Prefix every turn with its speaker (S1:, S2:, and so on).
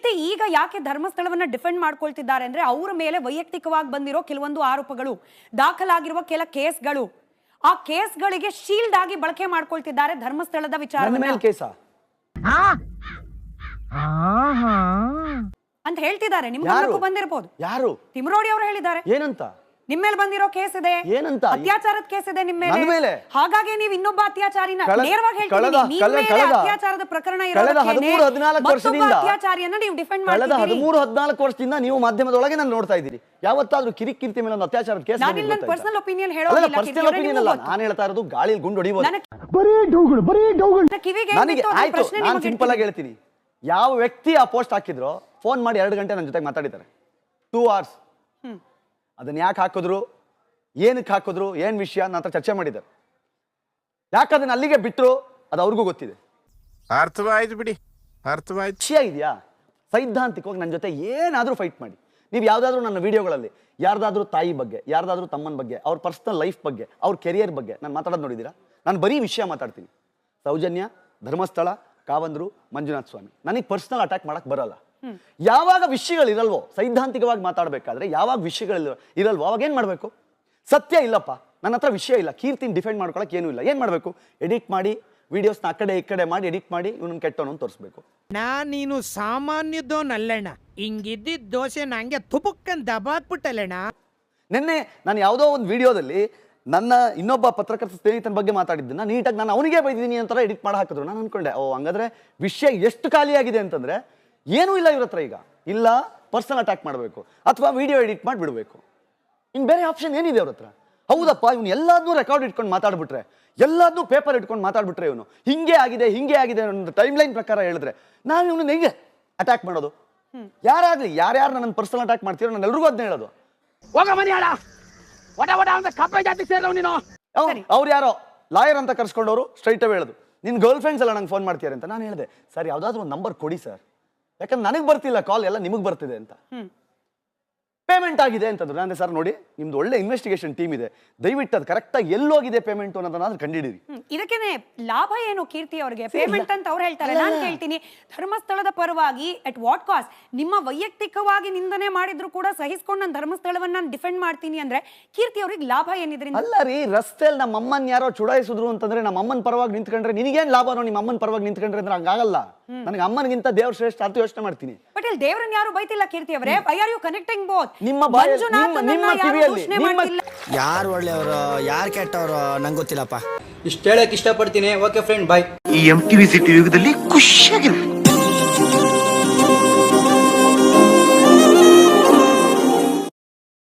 S1: ಕೀರ್ತಿ ಈಗ ಯಾಕೆ ಧರ್ಮಸ್ಥಳವನ್ನ ಡಿಫೆಂಡ್ ಮಾಡ್ಕೊಳ್ತಿದ್ದಾರೆ ಅಂದ್ರೆ ಅವರ ಮೇಲೆ ವೈಯಕ್ತಿಕವಾಗಿ ಬಂದಿರೋ ಕೆಲವೊಂದು ಆರೋಪಗಳು, ದಾಖಲಾಗಿರುವ ಕೆಲ ಕೇಸ್ಗಳು, ಆ ಕೇಸ್ಗಳಿಗೆ ಶೀಲ್ಡ್ ಆಗಿ ಬಳಕೆ ಮಾಡ್ಕೊಳ್ತಿದ್ದಾರೆ ಧರ್ಮಸ್ಥಳದ ವಿಚಾರವನ್ನ ಅಂತ ಹೇಳ್ತಿದ್ದಾರೆ. ನಿಮ್ಗೆ ಬಂದಿರಬಹುದು.
S2: ಯಾರು?
S1: ತಿಮರೋಡಿ ಅವರು ಹೇಳಿದ್ದಾರೆ.
S2: ಏನಂತ?
S1: ನಿಮ್ಮ ಮೇಲೆ ಬಂದಿರೋ ಕೇಸ್ ಇದೆ,
S2: ಏನಂತ?
S1: ಅತ್ಯಾಚಾರದ ಕೇಸ್ ಇದೆ ನಿಮ್ಮ ಮೇಲೆ. ಹಾಗಾಗಿ ನೀವು ಇನ್ನೊಬ್ಬ ಅತ್ಯಾಚಾರಿನ ನೇರವಾಗಿ ಹೇಳ್ತೀರಿ. ಅತ್ಯಾಚಾರದ ಪ್ರಕರಣ
S2: ಕಳೆದ 13-14 ವರ್ಷದಿಂದ
S1: ಅತ್ಯಾಚಾರಿಯನ್ನ ನೀವು ಡಿಫೆಂಡ್ ಮಾಡ್ತಿದ್ದೀರಿ.
S2: ಕಳೆದ 13-14 ವರ್ಷದಿಂದ ನೀವು ಮಾಧ್ಯಮದೊಳಗೆ ನಾನು ನೋಡ್ತಾ ಇದ್ದೀರಿ. ಯಾವತ್ತಾದ್ರೂ ಕಿರಿಕಿರ್ತಿ ಮೇಲೆ ಒಂದು ಅತ್ಯಾಚಾರದ ಕೇಸ್
S1: ನಾನು ನನ್ನ ಪರ್ಸನಲ್ ಒಪಿನಿಯನ್ ಹೇಳೋದಿಲ್ಲ.
S2: ಪರ್ಸನಲ್ ಒಪಿನಿಯನ್ ಅಲ್ಲ, ನಾನು ಹೇಳ್ತಾ ಇರೋದು ಗಾಳಿಯಲ್ಲಿ ಗುಂಡು ಹೊಡಿಬಹುದು. ನನಗೆ ಆಯ್ತು, ನಾನು ಸಿಂಪಲ್ ಆಗಿ ಹೇಳ್ತೀನಿ. ಯಾವ ವ್ಯಕ್ತಿ ಆ ಪೋಸ್ಟ್ ಹಾಕಿದ್ರು ಫೋನ್ ಮಾಡಿ 2 ಗಂಟೆ ನನ್ನ ಜೊತೆಗೆ ಮಾತಾಡಿದ್ದಾರೆ. 2 hours. ಅದನ್ನ ಯಾಕೆ ಹಾಕಿದ್ರು, ಏನಕ್ಕೆ ಹಾಕಿದ್ರು, ಏನ್ ವಿಷಯ ನನ್ನ ಚರ್ಚೆ ಮಾಡಿದ್ದಾರೆ. ಯಾಕೆ ಅದನ್ನ ಅಲ್ಲಿಗೆ ಬಿಟ್ಟರು ಅದು ಅವ್ರಿಗೂ ಗೊತ್ತಿದೆ.
S3: ಅರ್ಥವಾಯ್ತು ಬಿಡಿ, ಅರ್ಥವಾಯ್ತು.
S2: ವಿಷಯ ಇದೆಯಾ? ಸೈದ್ಧಾಂತಿಕವಾಗಿ ನನ್ನ ಜೊತೆ ಏನಾದರೂ ಫೈಟ್ ಮಾಡಿ. ನೀವು ಯಾವುದಾದ್ರೂ ನನ್ನ ವಿಡಿಯೋಗಳಲ್ಲಿ ಯಾರ್ದಾದ್ರೂ ತಾಯಿ ಬಗ್ಗೆ, ಯಾರ್ದಾದ್ರೂ ತಮ್ಮನ ಬಗ್ಗೆ, ಅವ್ರ ಪರ್ಸನಲ್ ಲೈಫ್ ಬಗ್ಗೆ, ಅವ್ರ ಕೆರಿಯರ್ ಬಗ್ಗೆ ನಾನು ಮಾತಾಡೋದು ನೋಡಿದ್ದೀರಾ? ನಾನು ಬರೀ ವಿಷಯ ಮಾತಾಡ್ತೀನಿ. ಸೌಜನ್ಯ, ಧರ್ಮಸ್ಥಳ, ಕಾವಂದ್ರು, ಮಂಜುನಾಥ ಸ್ವಾಮಿ. ನನಗೆ ಪರ್ಸನಲ್ ಅಟ್ಯಾಕ್ ಮಾಡಕ್ ಬರಲ್ಲ. ಯಾವಾಗ ವಿಷಯಗಳಿರಲ್ವೋ, ಸೈದ್ಧಾಂತಿಕವಾಗಿ ಮಾತಾಡಬೇಕಾದ್ರೆ ಯಾವಾಗ ವಿಷಯಗಳು ಇರಲ್ವೋ ಅವಾಗ ಏನ್ ಮಾಡ್ಬೇಕು? ಸತ್ಯ ಇಲ್ಲಪ್ಪ, ನನ್ನ ಹತ್ರ ವಿಷಯ ಇಲ್ಲ, ಕೀರ್ತಿನ ಡಿಫೆಂಡ್ ಮಾಡ್ಕೊಳಕ್ ಏನೂ ಇಲ್ಲ, ಏನ್ ಮಾಡ್ಬೇಕು? ಎಡಿಟ್ ಮಾಡಿ ವಿಡಿಯೋಸ್ನ ಆ ಕಡೆ ಈ ಕಡೆ ಮಾಡಿ ಎಡಿಟ್ ಮಾಡಿ ಇವನನ್ನ ಕೆಟ್ಟವನು ಅಂತ ತೋರಿಸ್ಬೇಕು.
S4: ನೀನು ಸಾಮಾನ್ಯದೋನಲ್ಲಣ್ಣ, ಹಿಂಗಿದ್ದಿದ್ದ ದೋಸೆ ನಂಗೆ ತುಪುಕ್ಕನ್ ದಬಾಕ್ಬಿಟ್ಟಲ್ಲಣ್ಣ.
S2: ನಿನ್ನೆ ನಾನು ಯಾವುದೋ ಒಂದು ವಿಡಿಯೋದಲ್ಲಿ ನನ್ನ ಇನ್ನೊಬ್ಬ ಪತ್ರಕರ್ತ ಸ್ನೇಹಿತನ ಬಗ್ಗೆ ಮಾತಾಡಿದ್ದನ್ನ ನೀಟಾಗಿ ನಾನು ಅವನಿಗೆ ಬೈದಿದ್ದೀನಿ ಅಂತಾರೆ ಎಡಿಟ್ ಮಾಡಿ ಹಾಕಿದ್ರು. ನಾನು ಅನ್ಕೊಂಡೆ, ಓ ಹಂಗಾದ್ರೆ ವಿಷಯ ಎಷ್ಟು ಖಾಲಿಯಾಗಿದೆ ಅಂತಂದ್ರೆ ಏನೂ ಇಲ್ಲ ಇವ್ರ ಹತ್ರ. ಈಗ ಇಲ್ಲ ಪರ್ಸನಲ್ ಅಟ್ಯಾಕ್ ಮಾಡಬೇಕು ಅಥವಾ ವಿಡಿಯೋ ಎಡಿಟ್ ಮಾಡಿ ಬಿಡಬೇಕು. ಇನ್ನು ಬೇರೆ ಆಪ್ಷನ್ ಏನಿದೆ ಅವ್ರ ಹತ್ರ? ಹೌದಪ್ಪ, ಇವನು ಎಲ್ಲಾದ್ನೂ ರೆಕಾರ್ಡ್ ಇಟ್ಕೊಂಡು ಮಾತಾಡ್ಬಿಟ್ರೆ, ಎಲ್ಲಾದ್ನೂ ಪೇಪರ್ ಇಟ್ಕೊಂಡು ಮಾತಾಡ್ಬಿಟ್ರೆ, ಇವನು ಹಿಂಗೆ ಆಗಿದೆ ಒಂದು ಟೈಮ್ ಲೈನ್ ಪ್ರಕಾರ ಹೇಳಿದ್ರೆ ನಾವು ಇವನು ಹೆಂಗೆ ಅಟ್ಯಾಕ್ ಮಾಡೋದು? ಯಾರಾಗ್ಲಿ, ಯಾರ್ಯಾರು ನನ್ನ ಪರ್ಸನಲ್ ಅಟ್ಯಾಕ್ ಮಾಡ್ತೀರೋ ನಾನು ಎಲ್ರಿಗೂ ಅದನ್ನ ಹೇಳೋದು. ಅವ್ರು ಯಾರೋ ಲಾಯರ್ ಅಂತ ಕರ್ಸ್ಕೊಂಡವರು ಸ್ಟ್ರೈಟ್ ಅವೇ ಹೇಳೋದು, ನಿನ್ ಗರ್ಲ್ ಫ್ರೆಂಡ್ಸ್ ಎಲ್ಲ ನಂಗೆ ಫೋನ್ ಮಾಡ್ತೀರ ಅಂತ. ನಾನು ಹೇಳಿದೆ, ಸರ್ ಯಾವ್ದಾದ್ರು ಒಂದು ನಂಬರ್ ಕೊಡಿ ಸರ್, ಯಾಕಂದ್ರೆ ನನಗೆ ಬರ್ತಿಲ್ಲ ಕಾಲ್, ಎಲ್ಲ ನಿಮಗೆ ಬರ್ತಿದೆ ಅಂತ. ಪೇಮೆಂಟ್ ಆಗಿದೆ ಅಂತಂದ್ರು. ನಾನು ಸರ್ ನೋಡಿ, ನಿಮ್ದು ಒಳ್ಳೆ ಇನ್ವೆಸ್ಟಿಗೇಷನ್ ಟೀಮ್ ಇದೆ, ದಯವಿಟ್ಟು ಅದು ಕರೆಕ್ಟಾಗಿ ಎಲ್ಲೋಗಿದೆ ಪೇಮೆಂಟ್ ಅನ್ನೋದನ್ನ ಕಂಡಿಡಿರಿ.
S1: ಇದಕ್ಕೇನೆ ಲಾಭ ಏನು ಕೀರ್ತಿ ಅವರಿಗೆ? ಪೇಮೆಂಟ್ ಅಂತ ಅವ್ರು ಹೇಳ್ತಾರೆ. ನಾನು ಕೇಳ್ತೀನಿ, ಧರ್ಮಸ್ಥಳದ ಪರವಾಗಿ ಅಟ್ ವಾಟ್ ಕಾಸ್ಟ್? ನಿಮ್ಮ ವೈಯಕ್ತಿಕವಾಗಿ ನಿಂದನೆ ಮಾಡಿದ್ರು ಕೂಡ ಸಹಿಸ್ಕೊಂಡು ನಾನು ಧರ್ಮಸ್ಥಳವನ್ನ ಡಿಫೆಂಡ್ ಮಾಡ್ತೀನಿ ಅಂದ್ರೆ ಕೀರ್ತಿ ಅವ್ರಿಗೆ ಲಾಭ ಏನಿದ್ರಿಂದ?
S2: ಅಲ್ಲ ರೀ, ರಸ್ತೆಯಲ್ಲಿ ನಮ್ಮ ಅಮ್ಮನ್ ಯಾರೋ ಚುಡಾಯಿಸಿದ್ರು ಅಂತಂದ್ರೆ ನಮ್ಮ ಅಮ್ಮನ ಪರವಾಗಿ ನಿಂತ್ಕೊಂಡ್ರೆ ನಿನಗೇನ್ ಲಾಭನೋ? ನಿಮ್ಮ ಅಮ್ಮನ ಪರವಾಗಿ ನಿಂತ್ಕೊಂಡ್ರೆ ಅಂದ್ರೆ ಹಂಗಾಗಲ್ಲ. ನನಗೆ ಅಮ್ಮನಿಗಿಂತ ದೇವ್ರ ಶ್ರೇಷ್ಠ ಅಂತ ಯೋಚನೆ ಮಾಡ್ತೀನಿ.
S1: ಬಟ್ ಇಲ್ಲಿ ದೇವ್ರನ್ನ ಯಾರು ಬೈತಿಲ್ಲ ಕೀರ್ತಿ ಅವರೇ. Why are you connecting both?
S2: ನಿಮ್ಮ ಕಿವಿಯಲ್ಲಿ
S5: ಯಾರು ಒಳ್ಳೆಯವರು ಯಾರು ಕೆಟ್ಟವರು ನಂಗೆ ಗೊತ್ತಿಲ್ಲಪ್ಪ.
S6: ಇಷ್ಟು ಹೇಳಕ್ ಇಷ್ಟಪಡ್ತೀನಿ. Okay friend, bye.
S3: ಈ MTV ಸಿಟಿ ಯುಗದಲ್ಲಿ ಖುಷಿಯಾಗಿರು.